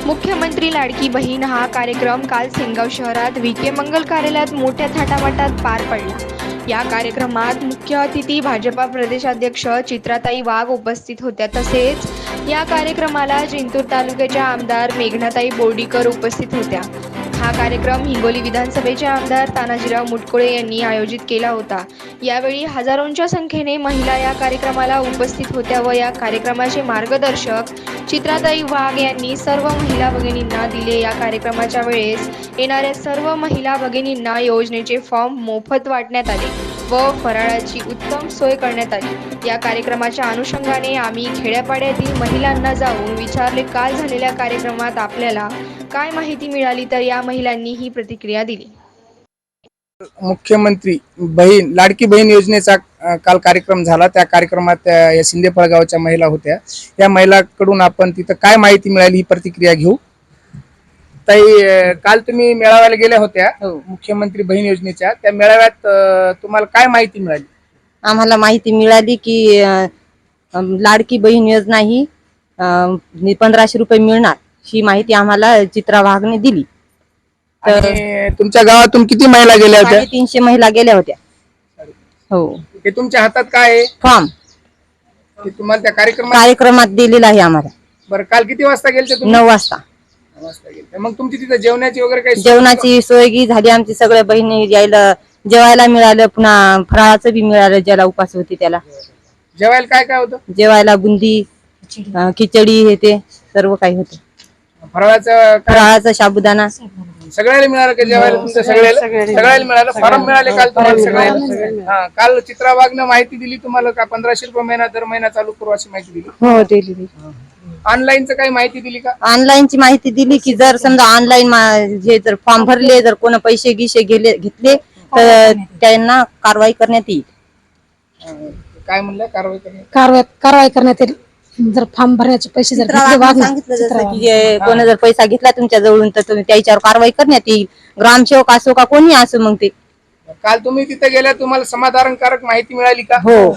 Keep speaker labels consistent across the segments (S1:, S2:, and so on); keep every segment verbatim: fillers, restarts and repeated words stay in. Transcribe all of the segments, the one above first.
S1: मुख्यमंत्री लाडकी बहीण हा कार्यक्रम काल सेनगाव शहरात विखे मंगल कार्यालयात मोठ्या थाटामाटात पार पडला। या कार्यक्रमात मुख्य अतिथी भाजपा प्रदेशाध्यक्ष चित्राताई वाघ उपस्थित होत्या। तसेच या कार्यक्रमाला जिंतूर तालुक्याच्या आमदार मेघनाताई बोर्डीकर उपस्थित होत्या। हा कार्यक्रम हिंगोली विधानसभेचे आमदार तानाजीराव मुटकुळे यांनी आयोजित केला होता। यावेळी हजारोंच्या संख्येने महिला या कार्यक्रमाला उपस्थित होत्या व या कार्यक्रमाचे मार्गदर्शक चित्राताई वाघ यांनी सर्व महिला भगिनींना दिले। या कार्यक्रमाच्या वेळेस येणाऱ्या सर्व महिला भगिनींना योजनेचे फॉर्म मोफत वाटण्यात आले व फराळाची उत्तम सोय करण्यात आली। या कार्यक्रमाच्या अनुषंगाने आम्ही खेड्यापाड्यातील महिलांना जाऊन विचारले, काल झालेल्या कार्यक्रमात आपल्याला काय माहिती मिळाली, तर या महिलांनी ही प्रतिक्रिया दिली।
S2: मुख्यमंत्री बहीण लाडकी बहीण योजनेचा काल कार्यक्रम झाला। त्या कार्यक्रमात या शिंदेफळ गावच्या महिला होत्या। या महिलांकडून आपण तिथं काय माहिती मिळाली ही प्रतिक्रिया घेऊ। ताई, काल तुम्ही मेळाव्याला गेल्या होत्या मुख्यमंत्री बहीण योजनेच्या, त्या मेळाव्यात तुम्हाला काय माहिती मिळाली?
S3: आम्हाला माहिती मिळाली की लाडकी बहीण योजना ही पंधराशे रुपये मिळणार ही माहिती आम्हाला चित्रा वाघने दिली।
S2: तर तुमच्या गावातून किती महिला गेल्या होत्या?
S3: तीनशे महिला गेल्या होत्या। हो,
S2: हे तुमच्या हातात काय आहे?
S3: फॉर्म
S2: ते तुम्हाला त्या कार्यक्रमात
S3: कार्यक्रमात दिलेला आहे आम्हाला।
S2: बरं, काल किती वाजता गेलते तुम्ही?
S3: नऊ वाजता
S2: नऊ वाजता गेलते। मग तुमची तिथे जेवणाची वगैरे काही
S3: जेवणाची सोय झाली आमची। सगळ्या बहिणी यायला जेवायला मिळालं, पुन्हा फराळाचं बी मिळालं। ज्याला उपास होती त्याला
S2: जेवायला काय काय होतं?
S3: जेवायला बुंदी, खिचडी, हे ते सर्व काही होतं।
S2: फराळाचं
S3: फराळाचा साबुदाणा
S2: सगळ्याला मिळालं का जेवायला? तुमच्या सगळ्याला सगळ्याला मिळालं? फॉर्म मिळाले काल तुम्हाला सगळ्याला? हा, काल चित्रा वाघनं माहिती दिली तुम्हाला का पंधराशे रुपये महिना दर महिना चालू करू अशी माहिती दिली?
S3: हो, दिली।
S2: ऑनलाईनच काही माहिती दिली का?
S3: ऑनलाईनची माहिती दिली की जर समजा ऑनलाईन जे जर फॉर्म भरले, जर कोण पैसे गिसे गेले घेतले तर त्यांना कारवाई करण्यात येईल।
S2: काय म्हणलं? कारवाई करण्यात
S4: कारवाई कारवाई करण्यात येईल जर फॉर्म भरण्याचे पैसे जर घेतले। वाघ
S3: सांगितलं जसं की कोणी जर पैसा घेतला तुमच्या जवळून तर तुम्ही त्याच्यावर कारवाई करण्यात येईल। ग्रामसेवक असो का कोणी असो मग ते।
S2: काल तुम्ही तिथे गेल्या, तुम्हाला समाधानकारक माहिती मिळाली का?
S3: हो,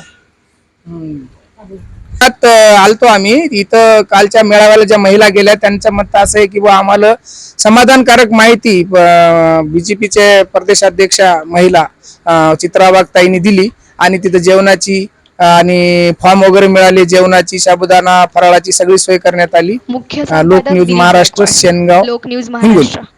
S2: आलतो आम्ही इथं। कालच्या मेळाव्याला ज्या महिला गेल्या त्यांचं मत असं आहे की बा आम्हाला समाधानकारक माहिती बीजेपीचे प्रदेशाध्यक्ष महिला चित्रा वाघ ताईंनी दिली आणि तिथं जेवणाची आणि फॉर्म वगैरे मिळाले। जेवणाची, साबुदाणा, फराळाची सगळी सोय करण्यात आली।
S1: मुख्य
S2: लोक न्यूज महाराष्ट्र, सेनगाव,
S1: लोक न्यूज
S2: हिंगोली।
S1: महाराष्ट्र।